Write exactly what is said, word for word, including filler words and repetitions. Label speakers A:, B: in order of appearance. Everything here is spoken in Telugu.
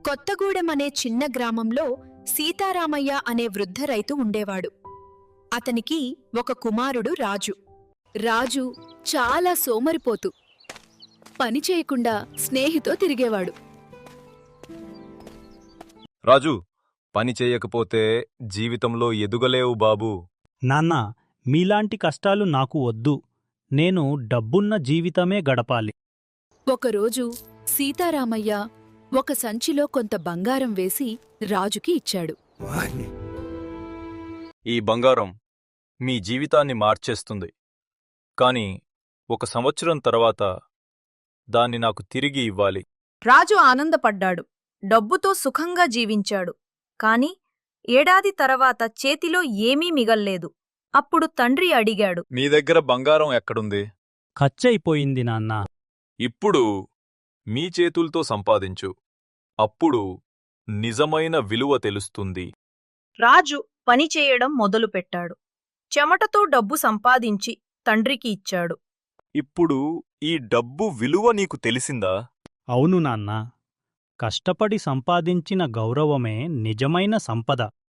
A: కొత్తగూడెం అనే చిన్న గ్రామంలో సీతారామయ్య అనే వృద్ధ రైతు ఉండేవాడు. అతనికి ఒక కుమారుడు రాజు. రాజు చాలా సోమరిపోతు. పని చేయకుండా స్నేహితో తిరిగేవాడు.
B: రాజు, పని చేయకపోతే జీవితంలో ఎదుగలేవు బాబూ.
C: నాన్నా, మీలాంటి కష్టాలు నాకు వద్దు. నేను డబ్బున్న జీవితమే గడపాలి.
A: ఒకరోజు సీతారామయ్య ఒక సంచిలో కొంత బంగారం వేసి రాజుకి ఇచ్చాడు.
B: ఈ బంగారం మీ జీవితాన్ని మార్చేస్తుంది. కాని ఒక సంవత్సరం తర్వాత దాన్ని నాకు తిరిగి ఇవ్వాలి.
D: రాజు ఆనందపడ్డాడు. డబ్బుతో సుఖంగా జీవించాడు. కాని ఏడాది తర్వాత చేతిలో ఏమీ మిగల్లేదు. అప్పుడు తండ్రి అడిగాడు,
B: మీ దగ్గర బంగారం ఎక్కడుంది?
C: ఖర్చయిపోయింది నాన్నా.
B: ఇప్పుడు మీ చేతుల్తో సంపాదించు. అప్పుడు నిజమైన విలువ తెలుస్తుంది.
D: రాజు పనిచేయడం మొదలుపెట్టాడు. చెమటతో డబ్బు సంపాదించి తండ్రికి ఇచ్చాడు.
B: ఇప్పుడు ఈ డబ్బు విలువ నీకు తెలిసిందా?
C: అవును నాన్నా, కష్టపడి సంపాదించిన గౌరవమే నిజమైన సంపద.